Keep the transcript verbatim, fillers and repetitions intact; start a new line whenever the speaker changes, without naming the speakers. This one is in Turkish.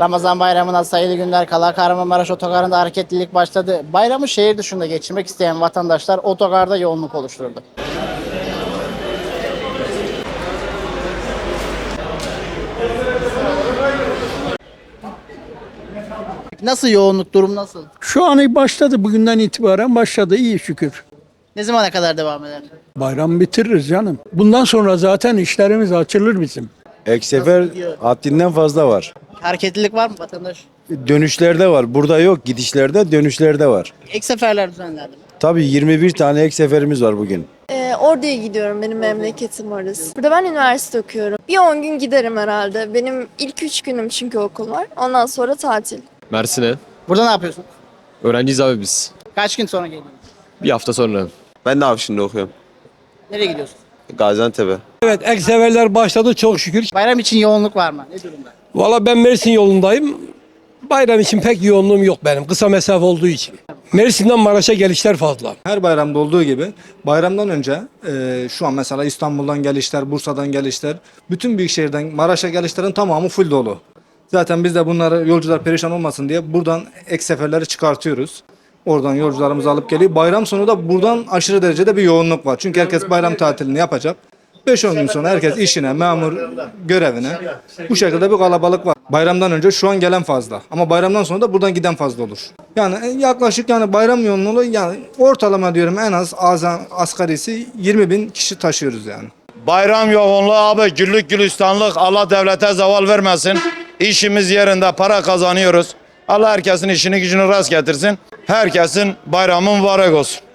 Ramazan bayramına sayılı günler kala Kahramanmaraş otogarında hareketlilik başladı. Bayramı şehir dışında geçirmek isteyen vatandaşlar otogarda yoğunluk oluşturdu. Nasıl yoğunluk, durum nasıl?
Şu an başladı. Bugünden itibaren başladı. İyi şükür.
Ne zamana kadar devam eder?
Bayram bitiririz canım. Bundan sonra zaten işlerimiz açılır bizim.
Ek sefer haddinden fazla var.
Hareketlilik var mı vatandaş?
Dönüşlerde var. Burada yok. Gidişlerde, dönüşlerde var.
Ek seferler düzenlendi mi?
Tabii yirmi bir tane ek seferimiz var bugün.
Ee, Ordu'ya gidiyorum. Benim memleketim orası. Burada ben üniversite okuyorum. Bir on gün giderim herhalde. Benim ilk üç günüm çünkü okul var. Ondan sonra tatil.
Mersin'e.
Burada ne yapıyorsun?
Öğrenciyiz abi biz.
Kaç gün sonra geliyorsun?
Bir hafta sonra.
Ben de Afşin'de okuyorum.
Nereye gidiyorsun?
Gaziantep'e.
Evet, ek seferler başladı çok şükür.
Bayram için yoğunluk var mı? Ne durumda?
Valla ben Mersin yolundayım. Bayram için pek yoğunluğum yok benim. Kısa mesafe olduğu için. Mersin'den Maraş'a gelişler fazla.
Her bayramda olduğu gibi bayramdan önce e, şu an mesela İstanbul'dan gelişler, Bursa'dan gelişler, bütün büyük şehirden Maraş'a gelişlerin tamamı full dolu. Zaten biz de bunları yolcular perişan olmasın diye buradan ek seferleri çıkartıyoruz. Oradan yolcularımızı alıp geliyor. Bayram sonu da buradan aşırı derecede bir yoğunluk var. Çünkü herkes bayram tatilini yapacak. beş on gün sonra herkes işine, memur görevine. Bu şekilde bir kalabalık var. Bayramdan önce şu an gelen fazla. Ama bayramdan sonra da buradan giden fazla olur. Yani yaklaşık yani bayram yoğunluğu yani ortalama diyorum en az azam, asgarisi yirmi bin kişi taşıyoruz yani.
Bayram yoğunluğu abi güllük gülistanlık, Allah devlete zeval vermesin. İşimiz yerinde, para kazanıyoruz. Allah herkesin işini gücünü rast getirsin. Herkesin bayramı mübarek olsun.